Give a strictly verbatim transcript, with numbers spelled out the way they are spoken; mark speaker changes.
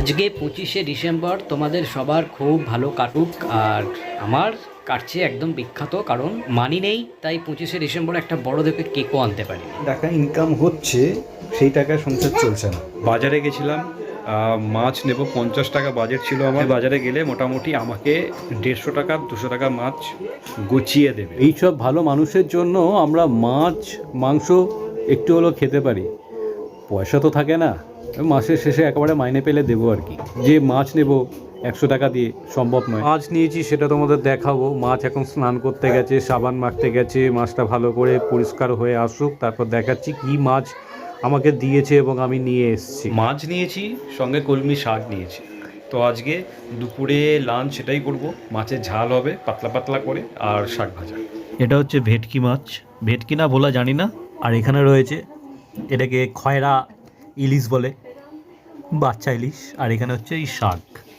Speaker 1: আজকে পঁচিশে ডিসেম্বর, তোমাদের সবার খুব ভালো কাটুক। আর আমার কাটছে একদম বিখ্যাত, কারণ মানি নেই, তাই পঁচিশে ডিসেম্বর একটা বড় দেখে কেকও আনতে পারি।
Speaker 2: টাকা ইনকাম হচ্ছে, সেই টাকায় সংসার চলছে না। বাজারে গেছিলাম, আহ, মাছ নেব, পঞ্চাশ টাকা বাজেট ছিল আমার। বাজারে গেলে মোটামুটি আমাকে দেড়শো টাকা দুশো টাকা মাছ গুছিয়ে দেবে। এইসব ভালো মানুষের জন্য আমরা মাছ মাংস একটু হলেও খেতে পারি। পয়সা তো থাকে না, মাসের শেষে একেবারে মাইনে পেলে দেবো আর কি। যে মাছ নেব একশো টাকা দিয়ে সম্ভব নয়। মাছ নিয়েছি সেটা তোমাদের দেখাবো। মাছ এখন স্নান করতে গেছে, সাবান মাখতে গেছে, মাছটা ভালো করে পরিষ্কার হয়ে আসুক, তারপর দেখাচ্ছি কি মাছ আমাকে দিয়েছে এবং আমি নিয়ে এসেছি। মাছ নিয়েছি, সঙ্গে কলমি শাক নিয়েছি। তো আজকে দুপুরে লাঞ্চ সেটাই করব। মাছের ঝাল হবে পাতলা পাতলা করে, আর শাক ভাজা।
Speaker 3: এটা হচ্ছে ভেটকি মাছ, ভেটকি না বলা জানি না। আর এখানে রয়েছে, এটাকে খয়রা ইলিশ বলে, বাচ্চা ইলিশ। আর এখানে হচ্ছে এই শাক।